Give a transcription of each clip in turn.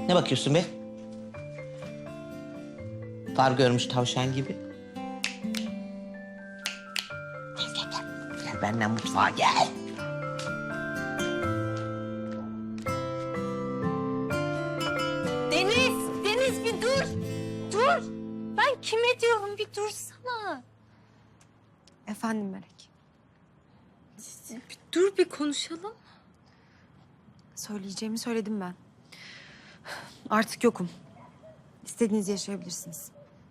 Ne bakıyorsun be? Far görmüş tavşan gibi. Gel. Gel benimle mutfağa gel. Deniz bir dur. Dur. Ben kime diyorum bir dursana. Efendim Melek. Bir dur bir konuşalım. Söyleyeceğimi söyledim ben. Artık yokum. İstediğinizi yaşayabilirsiniz.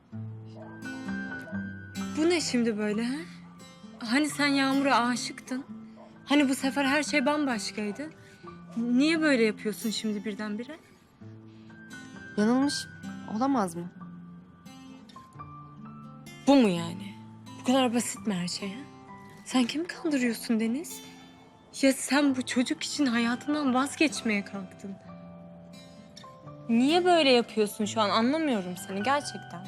Bu ne şimdi böyle ha? Hani sen Yağmur'a aşıktın? Hani bu sefer her şey bambaşkaydı? Niye böyle yapıyorsun şimdi birdenbire? Yanılmış olamaz mı? Bu mu yani? Bu kadar basit mi her şey ha? Sen kimi kandırıyorsun Deniz? Ya sen bu çocuk için hayatından vazgeçmeye kalktın. Niye böyle yapıyorsun şu an? Anlamıyorum seni gerçekten.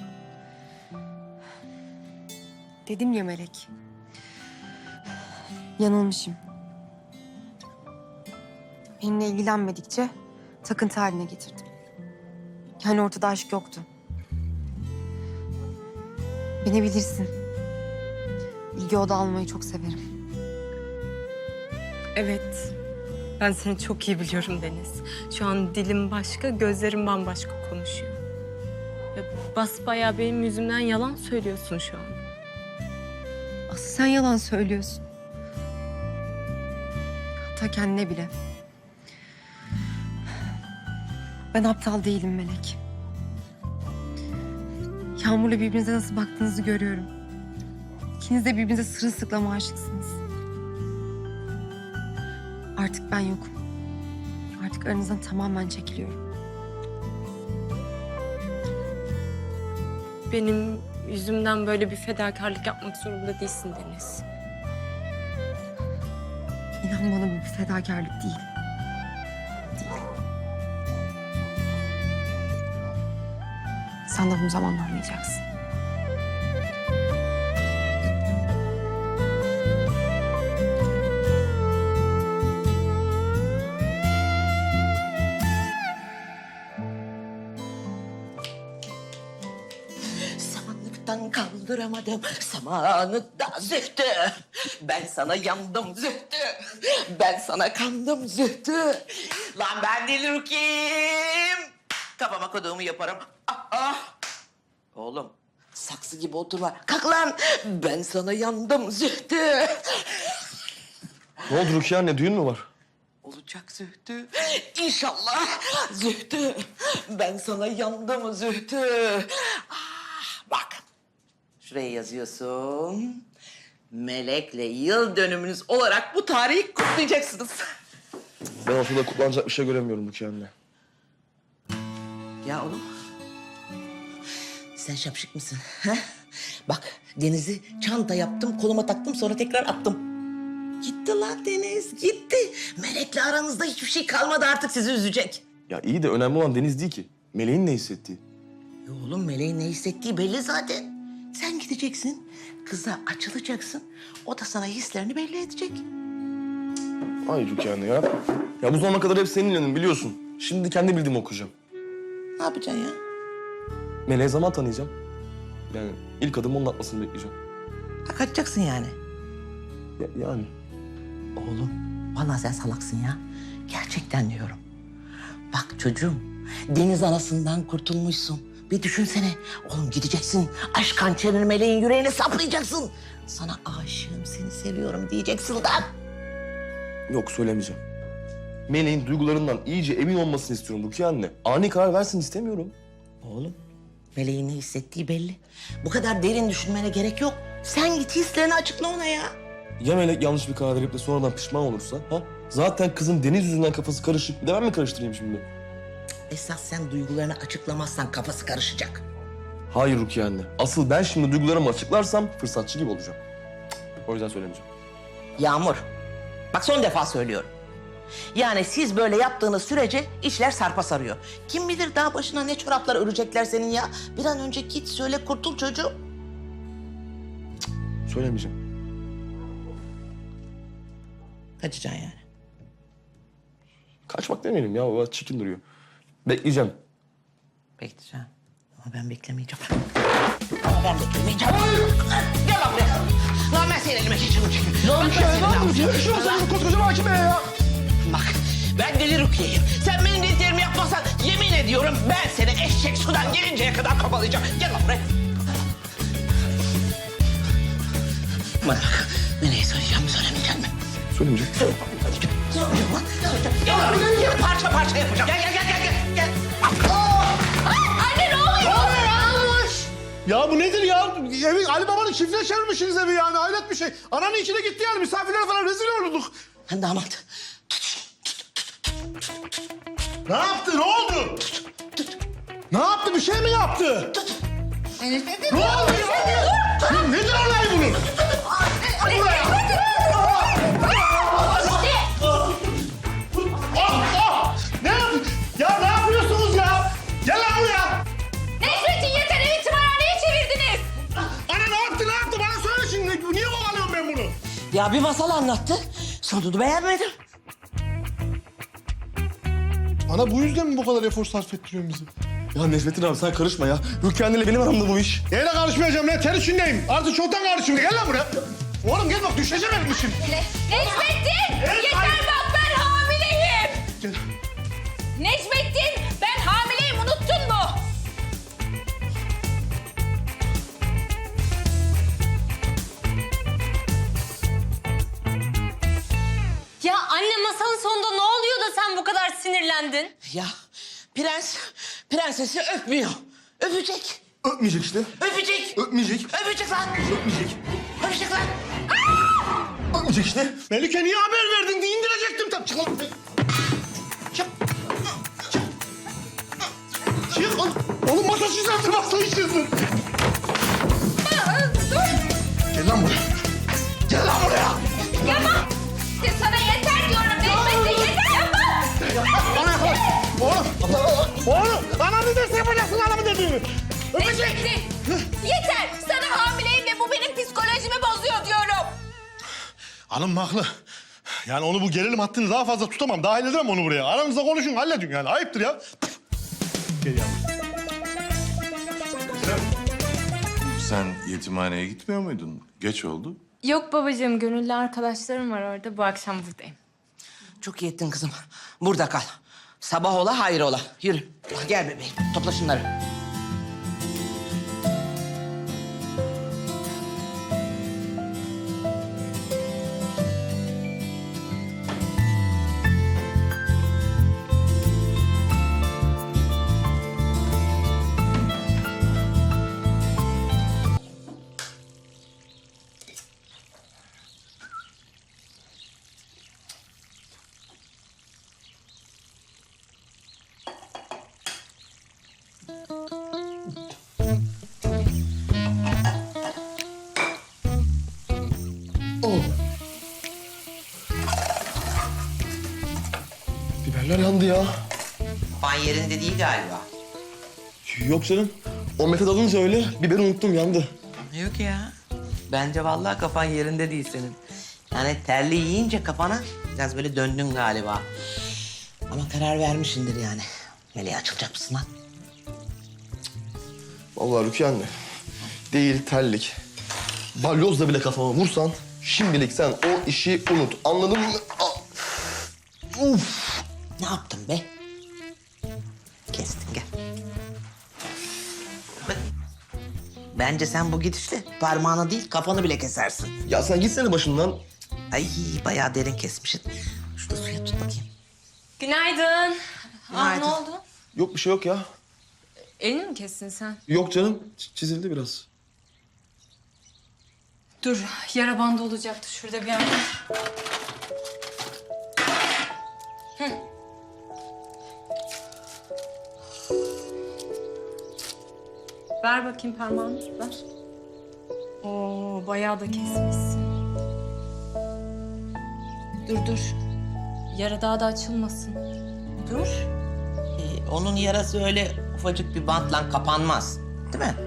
Dedim ya Melek. Yanılmışım. Benimle ilgilenmedikçe takıntı haline getirdim. Yani ortada aşk yoktu. Beni bilirsin. İlgi oda almayı çok severim. Evet. Ben seni çok iyi biliyorum Deniz. Şu an dilim başka, gözlerim bambaşka konuşuyor. Ve basbayağı benim yüzümden yalan söylüyorsun şu an. Asıl sen yalan söylüyorsun. Hatta kendine bile. Ben aptal değilim Melek. Yağmur'la birbirinize nasıl baktığınızı görüyorum. İkiniz de birbirinize sırılsıklam aşıksınız. Artık ben yokum. Artık aranızdan tamamen çekiliyorum. Benim yüzümden böyle bir fedakarlık yapmak zorunda değilsin Deniz. İnan bana bu bir fedakarlık değil. Değil. Sen de bunu zamanla anlayacaksın. Samanlıktan kaldıramadım samanlıkta Zühtü. Ben sana yandım Zühtü. Ben sana kandım Zühtü. Lan ben deli kim? Kafama koduğumu yaparım. Oğlum saksı gibi oturma. Kalk lan. Ben sana yandım Zühtü. Ne oldu Rukiye anne, düğün mü var? Olacak Zühtü. İnşallah Zühtü. Ben sana yandım Zühtü. Bak. Şuraya yazıyorsun. Melek'le yıl dönümünüz olarak bu tarihi kutlayacaksınız. Ben ortada kutlanacak bir şey göremiyorum Rukiye anne. Ya oğlum. Sen şapşık mısın? Ha? Bak Deniz'i çanta yaptım, koluma taktım sonra tekrar attım. Gitti lan Deniz, gitti. Melek'le aranızda hiçbir şey kalmadı artık sizi üzecek. Ya iyi de önemli olan Deniz değil ki. Meleğin ne hissettiği. Ya oğlum Meleğin ne hissettiği belli zaten. Sen gideceksin, kıza açılacaksın. O da sana hislerini belli edecek. Ay Rukiye anne ya. Ya bu zamana kadar hep senin yanın biliyorsun. Şimdi kendi bildiğimi okuyacağım. Ne yapacaksın ya? Meleğe zaman tanıyacağım. Yani ilk adımı onun atmasını bekleyeceğim. Ha, kaçacaksın yani. Yani. Oğlum, vallahi sen salaksın ya. Gerçekten diyorum. Bak çocuğum, deniz anasından kurtulmuşsun. Bir düşünsene. Oğlum gideceksin, aşk hançerini meleğin yüreğine saplayacaksın. Sana aşığım, seni seviyorum diyeceksin lan. Yok söylemeyeceğim. Meleğin duygularından iyice emin olmasını istiyorum Rukiye anne. Ani karar versin istemiyorum. Oğlum, meleğin ne hissettiği belli. Bu kadar derin düşünmene gerek yok. Sen git hislerini açıkla ona ya. Ya Melek yanlış bir karar verip de sonradan pişman olursa? Ha? Zaten kızın Deniz yüzünden kafası karışık. Bir de ben mi karıştırayım şimdi? Esas sen duygularını açıklamazsan kafası karışacak. Hayır Rukiye anne. Asıl ben şimdi duygularımı açıklarsam fırsatçı gibi olacağım. O yüzden söylemeyeceğim. Yağmur, bak son defa söylüyorum. Yani siz böyle yaptığınız sürece işler sarpa sarıyor. Kim bilir daha başına ne çoraplar örecekler senin ya. Bir an önce git söyle kurtul çocuğu. Söylemeyeceğim. Kaçacaksın yani. Kaçmak demeyelim ya. O çirkin duruyor. Bekleyeceğim. Bekleyeceğim. Ama ben beklemeyeceğim. Ama ben beklemeyeceğim. Gel lan buraya. Lan ben senin elime geçirdim çünkü. Bak ben seni ne yapacağım? Sen koskoca mahkeme ya. Bak ben deli Rukiye'yim. Sen benim dediklerimi yapmazsan yemin ediyorum ben seni eşek sudan gelinceye kadar kapalayacağım. Gel lan buraya. Bana bak. Nereye söyleyeceğim söylemeyeceğim mi? Söylemeyeceğim. Söyleyeceğim lan. Söyleyeceğim. Gel lan buraya. Parça parça yapacağım. Gel. Anne ne oluyor? Ya bu nedir ya? Evi Ali Baba'nın çiftliğe çevirmişsiniz evi yani. Hayret bir şey. Ananın içine gitti yani. Misafirler falan rezil olurduk. Lan damat. Ne yaptı? Ne oldu? Ne yaptı? Bir şey mi yaptı? Ne oldu ya? Nedir olay bunun? Ne yap- Ya ne yapıyorsunuz ya? Gel lan buraya. Necmettin yeter evi tımarhaneye çevirdiniz. Ana ne yaptı? Bana söyle şimdi. Niye kovalıyorum ben bunu? Ya bir masal anlattı. Sonunu beğenmedim. Ana bu yüzden mi bu kadar efor sarf ettiriyorsun bizi? Ya Necmettin abi sen karışma ya. Rukiye anneyle benim aramda bu iş. Neyle karışmayacağım lan? Ter içindeyim. Artık çoktan karışıyorum. Gel lan buraya. Oğlum gel bak düşeceğim elim için. Necmettin yeter bak ben hamileyim. Gel. Necmettin ben hamileyim unuttun mu? Ya anne masanın sonunda ne oluyor da sen bu kadar sinirlendin? Ya prensesi öpmüyor. Öpecek. Öpmeyecek işte. Öpecek. Öpmeyecek. Öpecek lan. Öpmeyecek. Öpecek lan. Öpmeyecek işte. Melike niye haber verdin diye indirecektim tabii. Çık lan. Çık. Çık. Çık. Oğlum masa çizersin, masa çizersin. Gel lan buraya. Gel lan buraya. Yapma. Sana yeter diyorum Necmettin yeter yapma. Bana yaklaş. Oğlum. Ana ne derse yapacaksın anamın dediğini. Necmettin yeter. Sana hamileyim ve bu benim psikolojimi bozuyor diyorum. Hanım haklı. Yani onu bu gerilim hattını daha fazla tutamam. Dahil edemem onu buraya. Aranızda konuşun, halledin yani. Ayıptır ya. Gel yavrum. Sen yetimhaneye gitmiyor muydun? Geç oldu. Yok babacığım gönüllü arkadaşlarım var orada bu akşam buradayım. Çok iyi ettin kızım. Burada kal. Sabah ola hayır ola. Yürü. Gel bebeğim. Topla şunları. Biberler yandı ya. Kafan yerinde değil galiba. Yok canım. O metot alınca öyle biberi unuttum yandı. Yok ya. Bence vallahi kafan yerinde değil senin. Yani terli yiyince kafana biraz böyle döndün galiba. Ama karar vermişsindir yani. Meleğe açılacak mısın lan? Vallahi Rukiye anne. Değil terlik. Balyozla bile kafama vursan şimdilik sen o işi unut. Anladın mı? Uf. Ne yaptın be? Kestin gel. Bak, bence sen bu gidişle parmağını değil kafanı bile kesersin. Ya sen gitsene başından. Ay bayağı derin kesmişsin. Şurada suya tut bakayım. Günaydın. Günaydın. Ne oldu? Yok bir şey yok ya. Elini mi kestin sen? Yok canım. Çizildi biraz. Dur yara bandı olacaktı şurada bir yerde. Ver bakayım parmağını, ver. Oo, bayağı da kesmişsin. Dur. Yara daha da açılmasın. Dur. Onun yarası öyle ufacık bir bantla kapanmaz. Değil mi?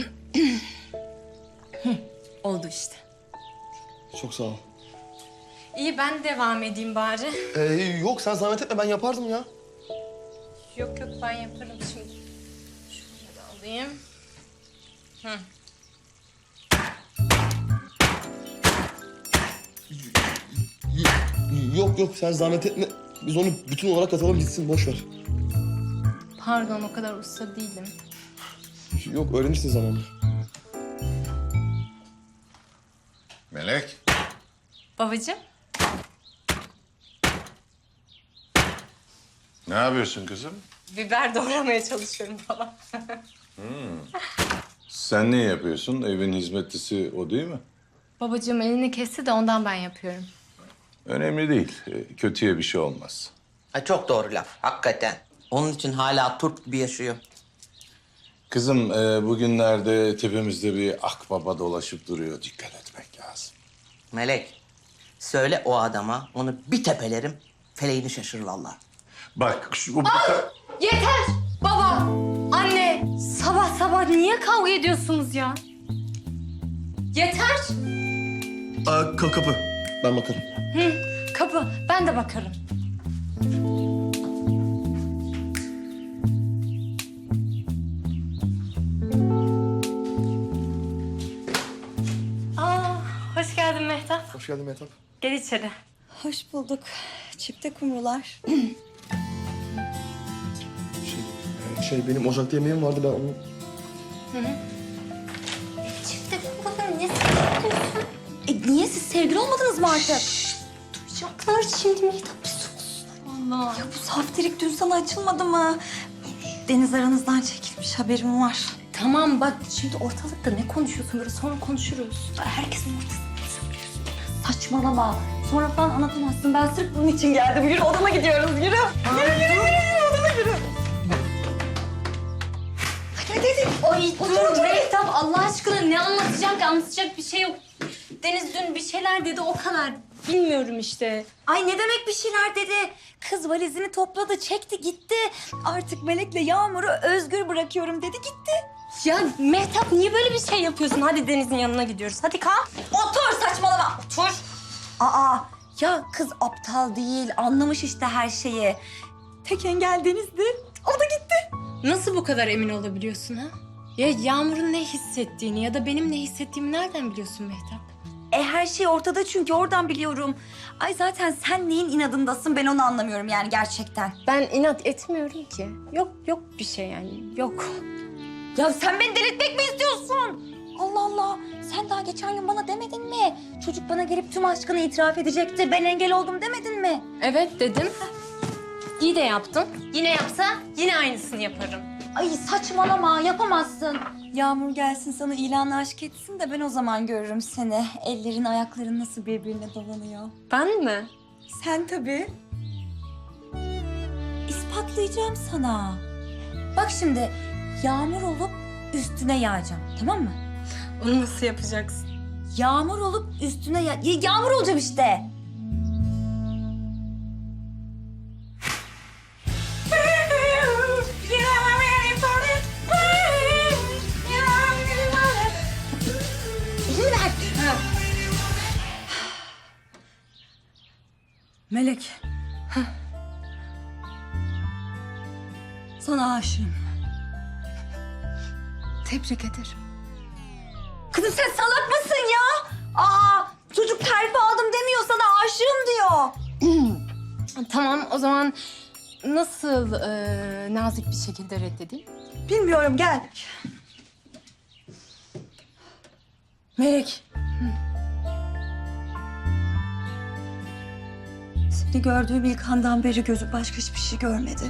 Oldu işte. Çok sağ ol. İyi ben devam edeyim bari. Yok sen zahmet etme ben yapardım ya. Yok yok ben yaparım şimdi. Şunu da alayım. Hı. Yok sen zahmet etme. Biz onu bütün olarak atalım gitsin boş ver. Pardon o kadar usta değilim. Yok öğrenirsin zamanla. Melek. Babacığım. Ne yapıyorsun kızım? Biber doğramaya çalışıyorum falan. Sen ne yapıyorsun? Evin hizmetlisi o değil mi? Babacığım elini kesti de ondan ben yapıyorum. Önemli değil. Kötüye bir şey olmaz. Ha, çok doğru laf hakikaten. Onun için hala Türk gibi yaşıyor. Kızım bugünlerde tepemizde bir akbaba dolaşıp duruyor. Dikkat etmek lazım. Melek, söyle o adama onu bir tepelerim, feleğini şaşırır vallahi. Bak şu... Yeter! Baba, anne, sabah sabah niye kavga ediyorsunuz ya? Yeter! Kapı. Ben bakarım. Kapı, ben de bakarım. Aa, hoş geldin Mehtap. Hoş geldin Mehtap. Gel içeri. Hoş bulduk. Çifte kumrular. Benim ocakta yemeğim vardı ben onu... Çifte kumrular niye sevgili niye siz sevgili olmadınız mı artık? Duyacaklar şimdi Mehtap bir sus. Allah. Ya bu saftirik dün sana açılmadı mı? Deniz aranızdan çekilmiş haberim var. Tamam bak şimdi ortalıkta ne konuşuyorsun böyle sonra konuşuruz. Herkesin ortasında söylüyorsun. Saçmalama. Sonra falan anlatamazsın. Ben sırf bunun için geldim. Yürü odama gidiyoruz. Yürü. Yürü odama yürü. Hadi. Ay dur Mehtap Allah aşkına ne anlatacak ki anlatacak bir şey yok. Deniz dün bir şeyler dedi o kadar. Bilmiyorum işte. Ay ne demek bir şeyler dedi. Kız valizini topladı, çekti gitti. Artık Melek'le Yağmur'u özgür bırakıyorum dedi gitti. Ya Mehtap niye böyle bir şey yapıyorsun? Hadi Deniz'in yanına gidiyoruz. Hadi kalk. Otur saçmalama. Otur. Aa ya kız aptal değil. Anlamış işte her şeyi. Tek engel Deniz'di. O da gitti. Nasıl bu kadar emin olabiliyorsun ha? Ya Yağmur'un ne hissettiğini ya da benim ne hissettiğimi nereden biliyorsun Mehtap? Her şey ortada çünkü oradan biliyorum. Ay zaten sen neyin inadındasın ben onu anlamıyorum yani gerçekten. Ben inat etmiyorum ki. Yok bir şey yani yok. Ya sen beni delirtmek mi istiyorsun? Allah Allah. Sen daha geçen gün bana demedin mi? Çocuk bana gelip tüm aşkını itiraf edecekti. Ben engel oldum demedin mi? Evet dedim. İyi de yaptım. Yine yapsa yine aynısını yaparım. Ay saçmalama yapamazsın. Yağmur gelsin sana ilanla aşk etsin de ben o zaman görürüm seni. Ellerin ayakların nasıl birbirine dolanıyor. Ben mi? Sen tabii. İspatlayacağım sana. Bak şimdi yağmur olup üstüne yağacağım tamam mı? Onu nasıl yapacaksın? Yağmur olup üstüne yağmur olacağım işte. Elini ver. Melek. Sana aşığım. Tebrik ederim. Kızım sen salak mısın ya? Aa, çocuk terfi aldım demiyor sana aşığım diyor. Tamam o zaman nasıl nazik bir şekilde reddedeyim? Bilmiyorum gel. Melek. Seni gördüğüm ilk andan beri gözü başka hiçbir şey görmedi.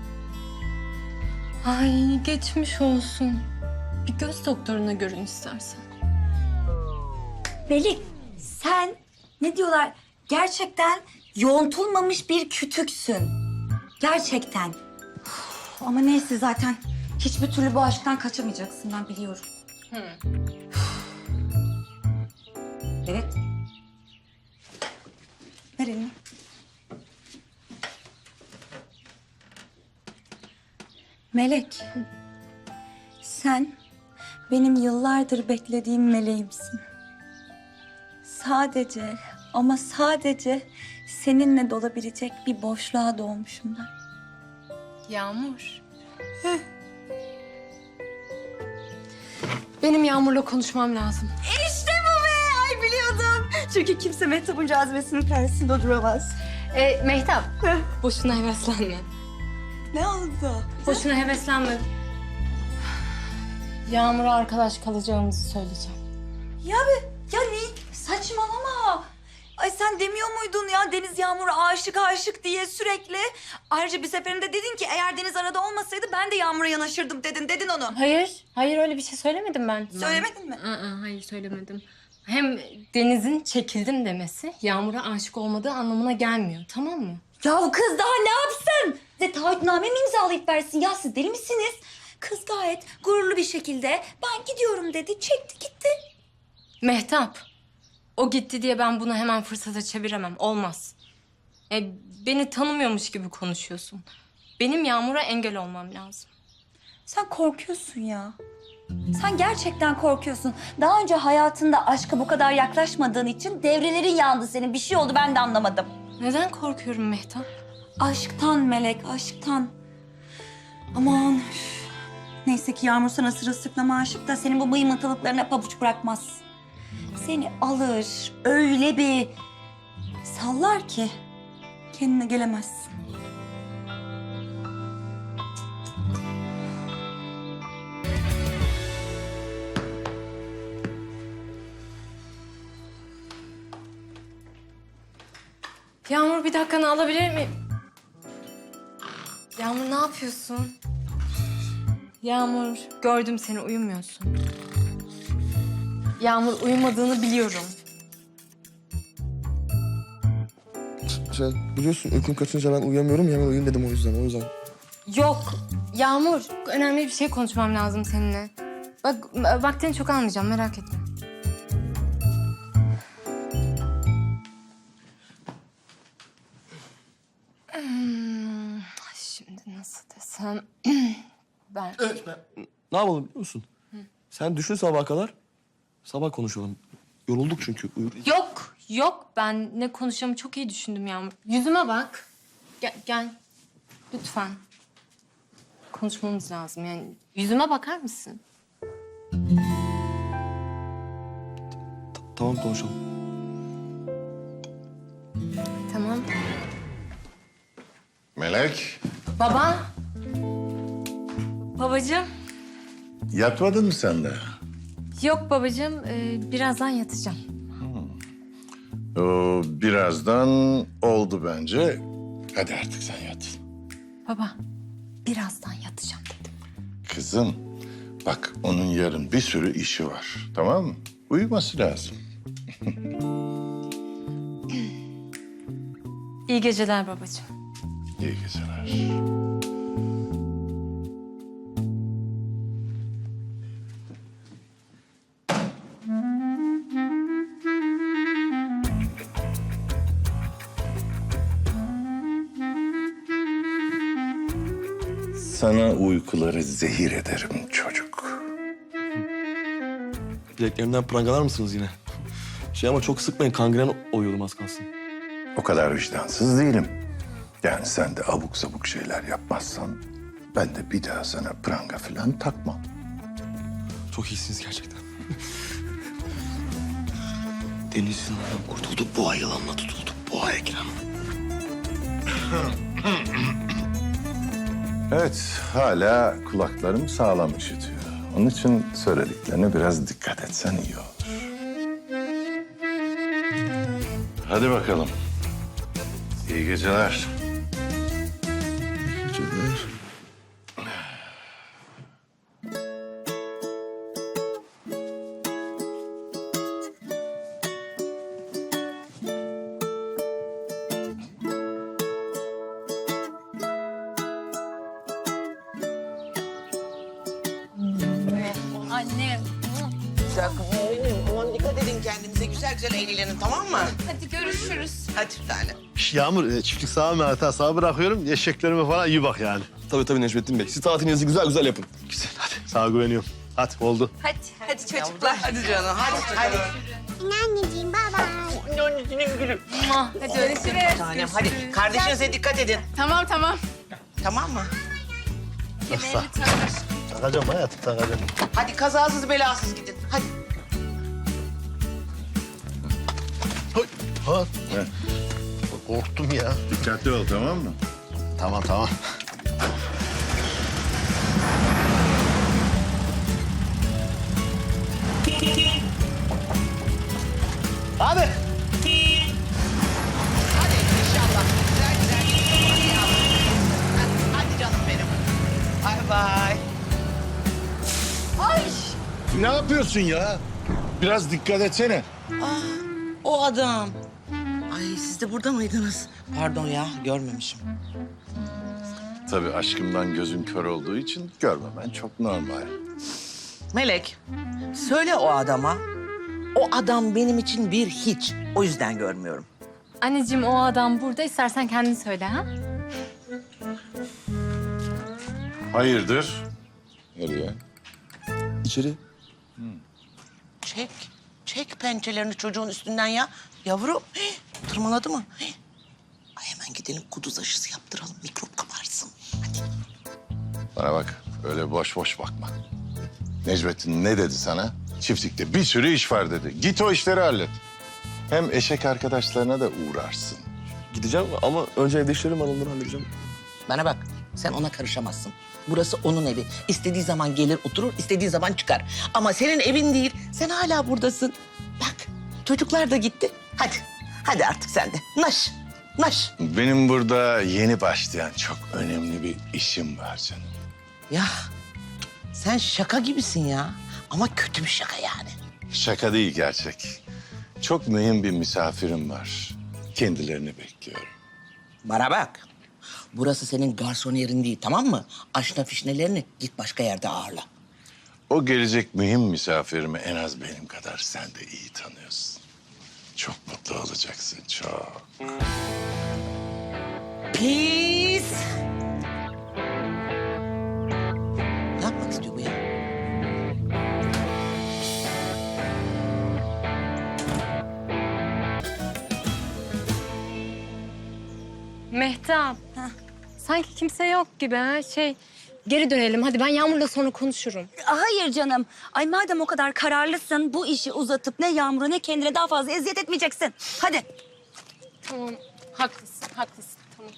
Ay geçmiş olsun. Bir göz doktoruna görün istersen. Melek sen ne diyorlar? Gerçekten yontulmamış bir kütüksün. Gerçekten. Uf, ama neyse zaten hiçbir türlü bu aşktan kaçamayacaksın ben biliyorum. Evet. Ver elini. Melek. Sen benim yıllardır beklediğim meleğimsin. Sadece Ama sadece seninle dolabilecek bir boşluğa doğmuşum ben. Yağmur. Benim Yağmur'la konuşmam lazım. İşte bu be! Ay biliyordum. Çünkü kimse Mehtap'ın cazibesinin karşısında duramaz. Mehtap, boşuna heveslenme. Ne oldu? Boşuna heveslenme. Yağmur'a arkadaş kalacağımızı söyleyeceğim. Ya ne? Saçmalama. Ay sen demiyor muydun ya Deniz Yağmur'a aşık diye sürekli? Ayrıca bir seferinde dedin ki eğer Deniz arada olmasaydı ben de Yağmur'a yanaşırdım dedin onu. Hayır öyle bir şey söylemedim ben. Söylemedin mi? Hayır söylemedim. Hem Deniz'in çekildim demesi Yağmur'a aşık olmadığı anlamına gelmiyor, tamam mı? Ya kız daha ne yapsın? Size taahhütname mi imzalayıp versin? Ya siz deli misiniz? Kız gayet gururlu bir şekilde ben gidiyorum dedi, çekti gitti. Mehtap, o gitti diye ben bunu hemen fırsata çeviremem, olmaz. Beni tanımıyormuş gibi konuşuyorsun. Benim Yağmur'a engel olmam lazım. Sen korkuyorsun ya. Sen gerçekten korkuyorsun. Daha önce hayatında aşka bu kadar yaklaşmadığın için devrelerin yandı senin. Bir şey oldu ben de anlamadım. Neden korkuyorum Mehtap? Aşktan Melek, aşktan. Aman. Üf. Neyse ki Yağmur sana sırılsıklama aşık da senin bu mıymıntılıklarına pabuç bırakmaz. Seni alır, öyle bir sallar ki kendine gelemezsin. Yağmur bir dakikanı alabilir miyim? Yağmur ne yapıyorsun? Yağmur gördüm seni uyumuyorsun. Yağmur uyumadığını biliyorum. Sen biliyorsun uykum kaçınca ben uyuyamıyorum. Hemen uyuyun dedim o yüzden. Yok Yağmur önemli bir şey konuşmam lazım seninle. Bak vaktini çok almayacağım merak etme. Şimdi nasıl desem ben... Ne yapalım biliyor musun? Sen düşün sabaha kadar. Sabah konuşalım. Yorulduk çünkü. Yok ben ne konuşacağımı çok iyi düşündüm Yağmur. Yüzüme bak. Gel lütfen. Konuşmamız lazım yani. Yüzüme bakar mısın? Tamam konuşalım. Tamam. Melek, Baba. Babacığım. yatmadın mı sen de? Yok babacığım birazdan yatacağım. O birazdan oldu bence. Hadi artık sen yat. Baba birazdan yatacağım dedim. Kızım, bak onun yarın bir sürü işi var, tamam mı? Uyuması lazım. İyi geceler babacığım. İyi geceler. Sana uykuları zehir ederim çocuk. Bileklerimden prangalar mısınız yine? Ama çok sıkmayın. Kangren oluyordum az kalsın. O kadar vicdansız değilim. Yani sen de abuk sabuk şeyler yapmazsan... ben de bir daha sana pranga falan takmam. Çok iyisiniz gerçekten. Deniz'in kurtulduk. Boğa yılanına tutulduk. Boğa Ekrem. Evet, hala kulaklarım sağlam işitiyor. Onun için söylediklerine biraz dikkat etsen iyi olur. Hadi bakalım. İyi geceler. Geceler. Annem. Aman dikkat edin kendinize. Güzel güzel eğlenin tamam mı? Hadi görüşürüz. Hadi bir tane. Yağmur, çiftlik sağa mı hata sağa bırakıyorum. Eşeklerime falan iyi bak yani. Tabii Necmettin Bey. Siz tatilinizi güzel güzel yapın. Güzel hadi. Sana güveniyorum. Hadi oldu. Hadi çocuklar. Hadi canım hadi. Anneciğim baba. annesinin gülü. Hadi görüşürüz. Tanem hadi. Kardeşinize dikkat edin. Tamam tamam. Tamam mı? Takacağım hayatım, takacağım. Hadi kazasız belasız gidin. Hadi. Ha. Korktum ya. Dikkatli ol, tamam mı? Tamam, tamam. Hadi. Hadi inşallah. Güzel güzel gidin. Hadi yavrum. Hadi canım benim. Bay bay. Ne yapıyorsun ya? Biraz dikkat etsene. O adam. Ay siz de burada mıydınız? Pardon ya görmemişim. Tabii aşkımdan gözün kör olduğu için görmemen çok normal. Melek, söyle o adama. O adam benim için bir hiç. O yüzden görmüyorum. Anneciğim o adam burada. İstersen kendin söyle ha. Hayırdır? Nereye? İçeri. Çek, çek pençelerini çocuğun üstünden ya. Yavrum, tırmaladı mı? Ay hemen gidelim kuduz aşısı yaptıralım. Mikrop kaparsın. Hadi. Bana bak, öyle boş boş bakma. Necmettin ne dedi sana? Çiftlikte bir sürü iş var dedi. Git o işleri hallet. Hem eşek arkadaşlarına da uğrarsın. Gideceğim ama önce evde işlerim var, onları halledeceğim. Bana bak, sen ona karışamazsın. Burası onun evi. İstediği zaman gelir oturur, istediği zaman çıkar. Ama senin evin değil, sen hala buradasın. Bak, çocuklar da gitti. Hadi, hadi artık sen de. Naş, naş. Benim burada yeni başlayan çok önemli bir işim var canım. Ya, sen şaka gibisin ya. Ama kötü bir şaka yani. Şaka değil, gerçek. Çok mühim bir misafirim var. Kendilerini bekliyorum. Bana bak. Burası senin garson değil, tamam mı? Aşna fişnelerini git başka yerde ağırla. O gelecek mühim misafirimi en az benim kadar sen de iyi tanıyorsun. Çok mutlu olacaksın, çok. Pis. Ne yapmak istiyor bu ya? Mehtap. Sanki kimse yok gibi ha. Geri dönelim. Hadi ben Yağmur'la sonra konuşurum. Hayır canım. Ay madem o kadar kararlısın bu işi uzatıp ne Yağmur'a ne kendine daha fazla eziyet etmeyeceksin. Hadi. Tamam. Haklısın, haklısın. Tamam.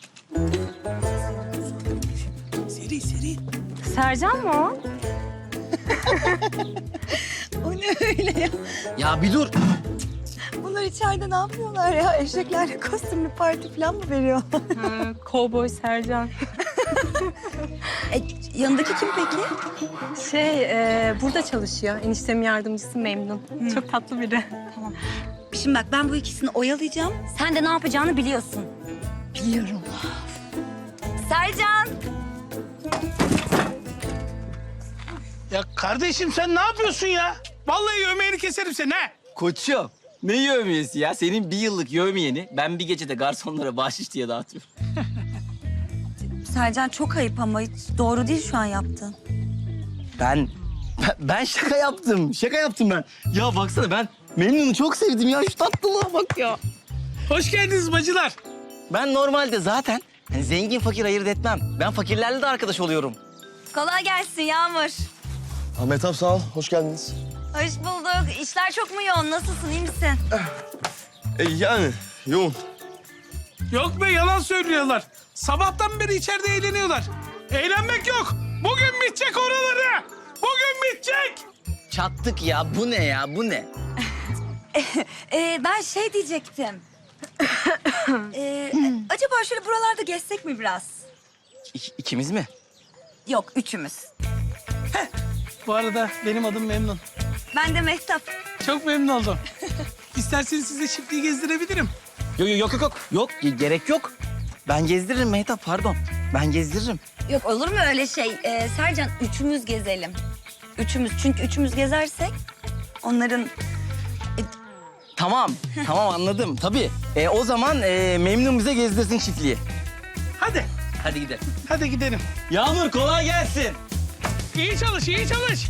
Seri seri. Sercan mı o? O ne öyle ya? Ya bir dur. Bunlar içeride ne yapıyorlar ya? Eşeklerle kostümlü parti falan mı veriyor? Kovboy Sercan. Yanındaki kim peki? Burada çalışıyor. Eniştemin yardımcısı Memnun. Çok tatlı biri. Şimdi bak ben bu ikisini oyalayacağım. Sen de ne yapacağını biliyorsun. Biliyorum. Sercan. Ya kardeşim sen ne yapıyorsun ya? Vallahi yemeğini keserim seni ha. Koçum, ne yövmiyesi ya? Senin bir yıllık yövmiyeni ben bir gecede garsonlara bahşiş diye dağıtıyorum. Sercan çok ayıp ama hiç doğru değil şu an yaptığın. Ben şaka yaptım. Şaka yaptım ben. Ya baksana ben Memnun'u çok sevdim ya. Şu tatlılığa bak ya. Hoş geldiniz bacılar. Ben normalde zaten hani zengin fakir ayırt etmem. Ben fakirlerle de arkadaş oluyorum. Kolay gelsin Yağmur. Ahmet abi sağ ol, hoş geldiniz. Hoş bulduk. İşler çok mu yoğun? Nasılsın? İyi misin? Yani yoğun. Yok be yalan söylüyorlar. Sabahtan beri içeride eğleniyorlar. Eğlenmek yok. Bugün bitecek oraları. Bugün bitecek. Çattık ya. Bu ne ya? Bu ne? Ben şey diyecektim. Acaba şöyle buralarda gezsek mi biraz? İkimiz mi? Yok, üçümüz. Bu arada benim adım Memnun. Ben de Mehtap. Çok memnun oldum. İsterseniz size çiftliği gezdirebilirim. Yok, gerek yok. Ben gezdiririm Mehtap, pardon. Ben gezdiririm. Yok olur mu öyle şey? Sercan üçümüz gezelim. Üçümüz çünkü üçümüz gezersek onların... Tamam anladım tabii. O zaman Memnun bize gezdirsin çiftliği. Hadi. Hadi gidelim. Hadi gidelim. Yağmur kolay gelsin. İyi çalış, iyi çalış.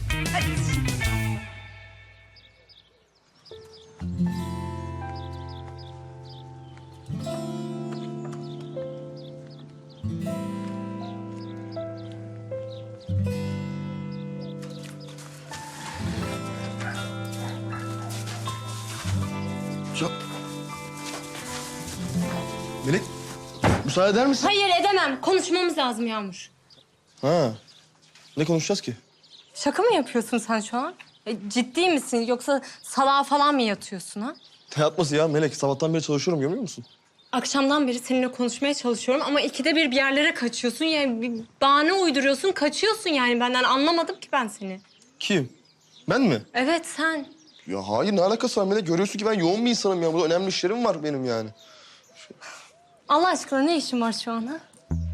Müsaade eder misin? Hayır edemem. Konuşmamız lazım Yağmur. Ha. Ne konuşacağız ki? Şaka mı yapıyorsun sen şu an? Ciddi misin yoksa salağa falan mı yatıyorsun ha? Ne yatması ya Melek? Sabahtan beri çalışıyorum görmüyor musun? Akşamdan beri seninle konuşmaya çalışıyorum ama ikide bir yerlere kaçıyorsun. Yani bir bahane uyduruyorsun, kaçıyorsun yani benden. Anlamadım ki ben seni. Kim? Ben mi? Evet sen. Ya hayır ne alakası var Melek? Görüyorsun ki ben yoğun bir insanım ya. Burada önemli işlerim var benim yani. Allah aşkına ne işin var şu an ha?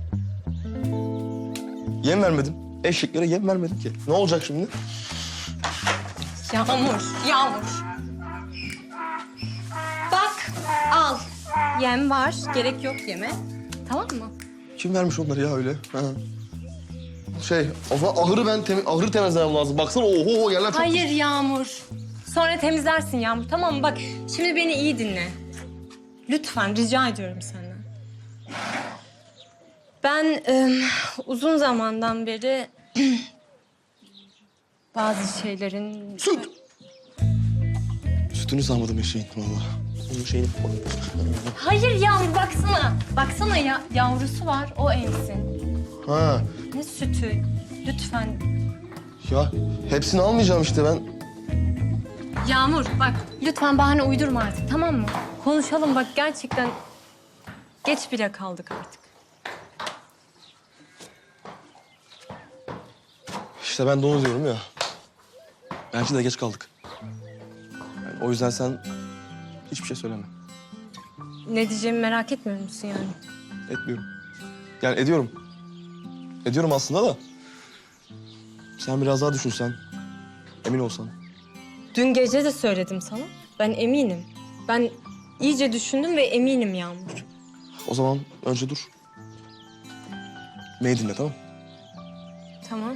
Yem vermedim. Eşeklere yem vermedim ki. Ne olacak şimdi? Yağmur. Bak, al. Yem var, gerek yok yeme. Tamam mı? Kim vermiş onları ya öyle? Ha. O zaman ahırı temizlemem lazım. Baksana oho yerler çok... Hayır Yağmur. Sonra temizlersin Yağmur, tamam mı? Bak, şimdi beni iyi dinle. Lütfen, rica ediyorum senden. Ben uzun zamandan beri bazı şeylerin... Süt! Sütünü sağmadım eşeğin valla. Onun şeyini... Hayır Yağmur, baksana. Baksana ya, yavrusu var, o emsin. Ha. Ne sütü? Lütfen. Ya hepsini almayacağım işte ben. Yağmur bak lütfen bahane uydurma artık tamam mı? Konuşalım bak gerçekten geç bile kaldık artık. İşte ben de onu diyorum ya. Bence de geç kaldık. Yani o yüzden sen hiçbir şey söyleme. Ne diyeceğimi merak etmiyor musun yani? Etmiyorum. Yani ediyorum. Ediyorum aslında da. Sen biraz daha düşünsen. Emin olsan. Dün gece de söyledim sana. Ben eminim. Ben iyice düşündüm ve eminim Yağmur. O zaman önce dur. Beni dinle tamam mı? Tamam.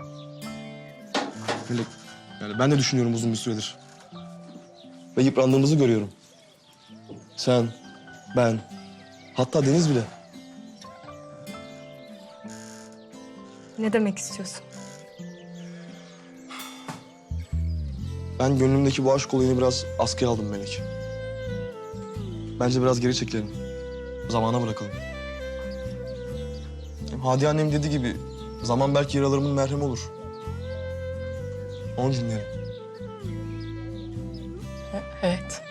Böyle, yani ben de düşünüyorum uzun bir süredir. Ve yıprandığımızı görüyorum. Sen, ben, hatta Deniz bile. Ne demek istiyorsun? Ben gönlümdeki bu aşk olayını biraz askıya aldım Melek. Bence biraz geri çekelim. Zamana bırakalım. Hem Hadi annem dediği gibi zaman belki yaralarımın merhemi olur. Onu dinleyelim. Evet.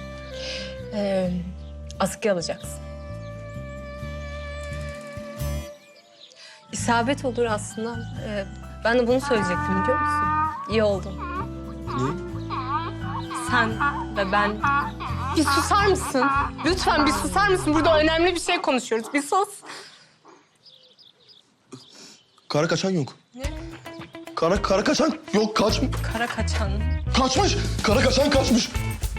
Askıya alacaksın. İsabet olur aslında. Ben de bunu söyleyecektim biliyor musun? İyi oldun. Niye? Sen ve ben... Bir susar mısın? Lütfen bir susar mısın? Burada önemli bir şey konuşuyoruz. Bir sus. Kara kaçan yok. Ne? Kara kaçan yok Kara kaçan. kaçmış. Kara kaçan kaçmış.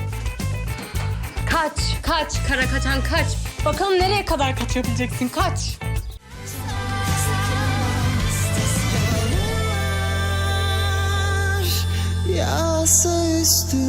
Kaç kara kaçan kaç. Bakalım nereye kadar kaçabileceksin kaç. Yağsa üstüme